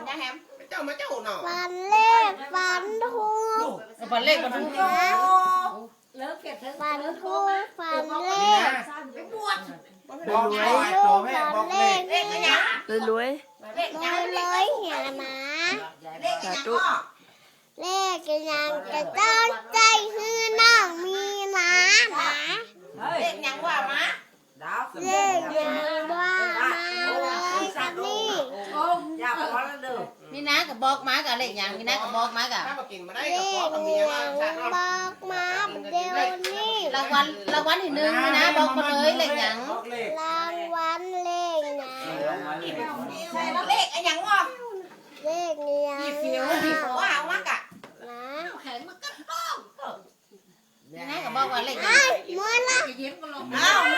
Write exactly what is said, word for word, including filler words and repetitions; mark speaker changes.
Speaker 1: nha em
Speaker 2: เจ้ามาเจ้าหน่อ
Speaker 3: ฟันเลขฟันทูก
Speaker 1: ฟันเลขฟันทูก
Speaker 4: เลิกเก็บเถอะ
Speaker 3: ฟันทูกฟันเลข
Speaker 4: ไปบวช
Speaker 2: บอกแม่
Speaker 3: ลู
Speaker 2: ตัว
Speaker 3: ก
Speaker 2: แม่
Speaker 3: ฟัน
Speaker 2: บอก
Speaker 3: เล
Speaker 2: แม่
Speaker 3: ข
Speaker 1: เล
Speaker 3: นี่
Speaker 1: ขอะไร
Speaker 5: รวย
Speaker 1: เลข
Speaker 3: เล
Speaker 1: ยัง
Speaker 3: ยเลยเหียนะ
Speaker 1: เลขยังก็
Speaker 3: เลขยังจะต้องใจฮือน้องมีนะนะ
Speaker 1: เลขยังว่ามา
Speaker 3: เลขยังว่ามาเลยกับนี่
Speaker 4: อย่าพอแล้วเด้อ
Speaker 1: มีน้ากับบอกมากับเลขยังมีน้ากับบอกมากับ
Speaker 2: ถ้ามากินมาได้
Speaker 3: เล
Speaker 2: กับพ่อ
Speaker 3: ข
Speaker 2: กับเมีย
Speaker 3: ยั
Speaker 2: มาง ชาติ
Speaker 3: บอกมาเดี๋ยวนี้
Speaker 1: รางวัลรางวัลที่หนึ่งมีน้าบอกมาเลยเลขยัง
Speaker 3: รางวัลเลขยัง
Speaker 1: เลขยังวะ
Speaker 3: เลขยัง
Speaker 1: ว่าเอามากะ
Speaker 3: นะ
Speaker 4: แข็งมันก็ต้อง
Speaker 1: มีน้ากับบอกว่าเลขยั
Speaker 3: ไอ้
Speaker 1: ง
Speaker 3: มวยละ
Speaker 4: จะยิ้มก็ลง
Speaker 1: อ้าว